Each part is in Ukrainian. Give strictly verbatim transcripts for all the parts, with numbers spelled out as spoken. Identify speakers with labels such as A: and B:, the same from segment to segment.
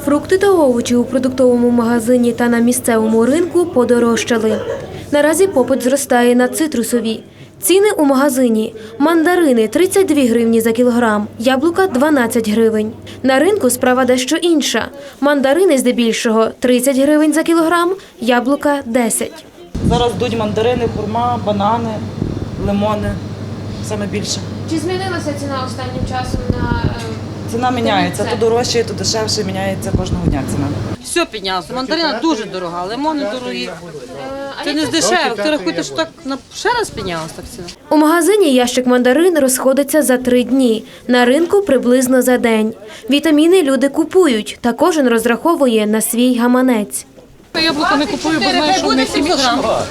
A: Фрукти та овочі у продуктовому магазині та на місцевому ринку подорожчали. Наразі попит зростає на цитрусові. Ціни у магазині – мандарини – тридцять дві гривні за кілограм, яблука – дванадцять гривень. На ринку справа дещо інша. Мандарини здебільшого – тридцять гривень за кілограм, яблука – десять.
B: Зараз йдуть мандарини, хурма, банани, лимони, саме більше.
A: Чи змінилася ціна останнім часом на…
B: Ціна міняється, то дорожче, то дешевше, міняється кожного дня ціна.
C: Все піднялося. Мандарина дуже дорога, лимони дорогі. Це не з дешевих. Ти рахуєте, що так на ще раз піднялося так ціна?
A: У магазині ящик мандарин розходиться за три дні, на ринку приблизно за день. Вітаміни люди купують, та кожен розраховує на свій гаманець.
D: Яблука не купую, бо знаю, що вони хімічні.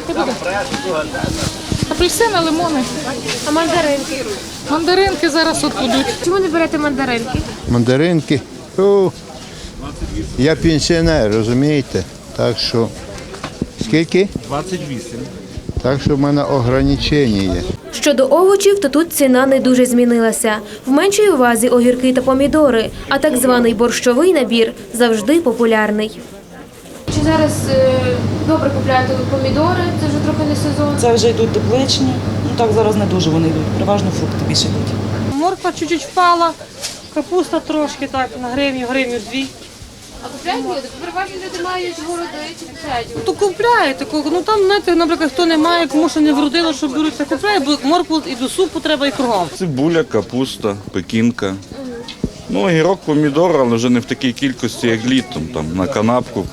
D: Апельсини, лимони.
A: А мандаринки?
D: Мандаринки зараз от будуть.
A: Чому не берете мандаринки?
E: Мандаринки. О, я пенсіонер, розумієте? Так що, скільки?
F: двадцять вісім.
E: Так що в мене ограничення є.
A: Щодо овочів, то тут ціна не дуже змінилася. В меншій увазі огірки та помідори, а так званий борщовий набір завжди популярний. Чи зараз е, добре купляти помідори? Це вже трохи не сезон.
B: Це вже йдуть тепличні, ну так зараз не дуже вони йдуть, переважно фрукти більше йдуть.
C: Морква чуть-чуть впала, капуста трошки так, на гривню, гривню дві.
A: А купляють люди? Переважно люди мають городи чи купляють?
C: То купляють, таку, ну там, знаєте, наприклад, хто не має, кому що не вродило, що беруть, це купляють, бо моркву і до супу треба і кругом.
F: Цибуля, капуста, пекінка. Ну, огірок, помідор, але вже не в такій кількості, як літом, там, на канапку.